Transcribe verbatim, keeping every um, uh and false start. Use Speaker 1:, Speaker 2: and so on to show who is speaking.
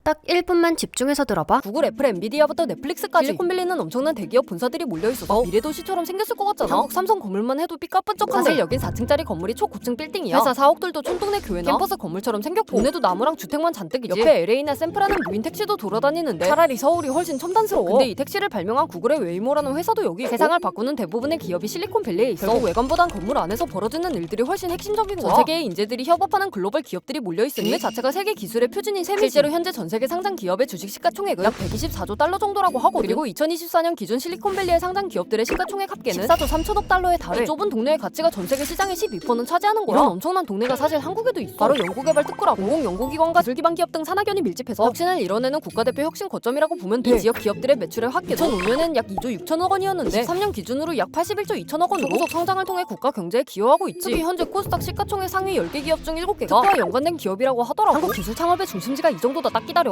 Speaker 1: 딱 일 분만 집중해서 들어봐.
Speaker 2: 구글, 애플, 엔비디아부터 넷플릭스까지 실리콘밸리는 엄청난 대기업 본사들이 몰려있어서 미래도시처럼 생겼을 것 같잖아. 한국 삼성 건물만 해도 삐까뻔쩍한데 사실 여긴 사 층짜리 건물이 초고층 빌딩이야. 회사 사옥들도 촌동네 교회나 캠퍼스 건물처럼 생겼고 동네도 나무랑 주택만 잔뜩이지. 옆에 엘에이나 샌프라는 무인 택시도 돌아다니는데 차라리 서울이 훨씬 첨단스러워. 근데 이 택시를 발명한 구글의 웨이모라는 회사도 여기 있고 세상을 바꾸는 대부분의 기업이 실리콘밸리에 있어. 결국 외관보단 건물 안에서 벌어지는 일들이 훨씬 핵심적인 거야. 전 세계의 인재들이 협업하는 글로벌 기업들이 몰려있으니 국내 자체가 세계 기술의 표준인 셈이지. 실제로 현재 전 세계 상장 기업의 주식 시가총액은 약 백이십사조 달러 정도라고 하고, 그리고 이천이십사년 기존 실리콘밸리의 상장 기업들의 시가총액 합계는 십사조 삼천억 달러에 달해. 이 좁은 동네의 가치가 전 세계 시장의 십이 퍼센트는 차지하는 거야. 이런 엄청난 동네가 사실 한국에도 있어. 바로 연구개발 특구라 공공연구기관과 기술기반 기업 등 산학연이 밀집해서 혁신을 이뤄내는 국가대표 혁신 거점이라고 보면 돼. 이 지역 기업들의 매출의 합계도 이천오년엔 약 이조 육천억 원이었는데 이십삼년 기준으로 약 팔십일조 이천억 원으로 소속 성장을 통해 국가 경제에 기여하고 있지. 특히 현재 코스닥 시가총액 상위 열 개 기업 중 일곱 개가 특허와 연관된 기업이라고 하더라고. 한국 기술 창업의 중심지가 이 정도다. 딱 기다려.